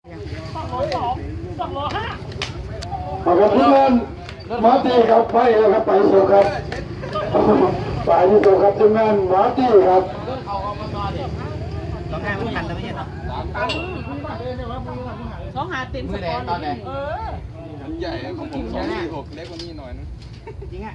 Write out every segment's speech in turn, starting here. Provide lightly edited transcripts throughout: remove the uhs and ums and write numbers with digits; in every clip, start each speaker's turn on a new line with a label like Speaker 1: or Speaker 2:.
Speaker 1: ครับทุกท่านมาตีครับไปแล้วครับไปสู่ครับไปที่สู่ครับทุกท่านมาตีครับ
Speaker 2: เราแค่ไม่ทันแล้วไม่ใช่หรอสองหาเต็มสปอนตอนไหน
Speaker 3: อันใหญ่ของผม246เล็กกว่านี้หน่อยนึง
Speaker 2: จริงอ่ะ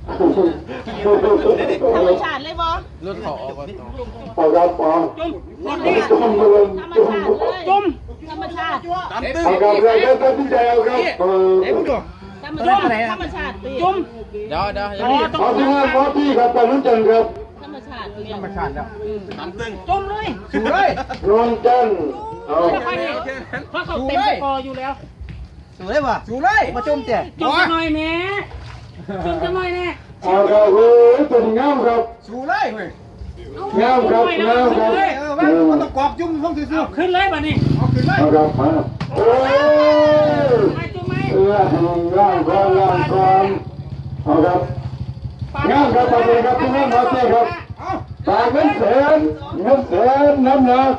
Speaker 2: ธรรมชาติเลยบอ
Speaker 3: รถเขาออก
Speaker 1: ปอครับปอจุ่มเลยจุ่ม
Speaker 2: ธรรมชาติ
Speaker 1: เอาครับเลยก็ตัดสินใจเอาครับ
Speaker 2: ธรรมชาติธรรมชาติจุ่ม
Speaker 3: เดี๋ยว
Speaker 1: เอาทุกท่านมาตีครับไปรุ่นจันครับ
Speaker 2: ธรรมชาติ
Speaker 3: แล้วน้ำตึง
Speaker 2: จุ่มเลย
Speaker 3: สูเลย
Speaker 1: รุ่นจันเอา
Speaker 2: เพราะเขาเต็มคออยู่แล้ว
Speaker 3: สูเลยป่ะสูเลยมาจุ่มเจ๊
Speaker 2: จุ่มหน่อยแม่จุ่มจะหน่อยแน่
Speaker 1: เอาครับเฮ้ยตัวงามครับ
Speaker 3: สูเลยเว้ย
Speaker 1: งามครับงามครับ
Speaker 3: มันต้องกรอบจุ่มห้องซื้อ
Speaker 2: ขึ้นเลยป่ะนี่
Speaker 3: เอาขึ้นเลย
Speaker 1: เอาครับมาเฮ้ย
Speaker 2: จุ่มไหม
Speaker 1: ล่างก่อนเอาครับงามครับขอบคุณครับทุกท่านมาตีครับตาเงินแสนน้ำหนัก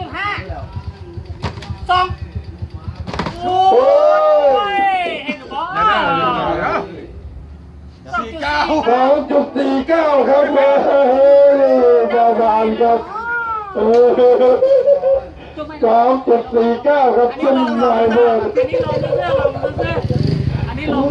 Speaker 2: 2.5 2โอ้ยเห็นหรือเปล่า
Speaker 1: 2.49ครับดาบานครับ2.49ครับขึ้นหน่อยเลย
Speaker 2: อันนี้ลงเรื่องอันนี้ลง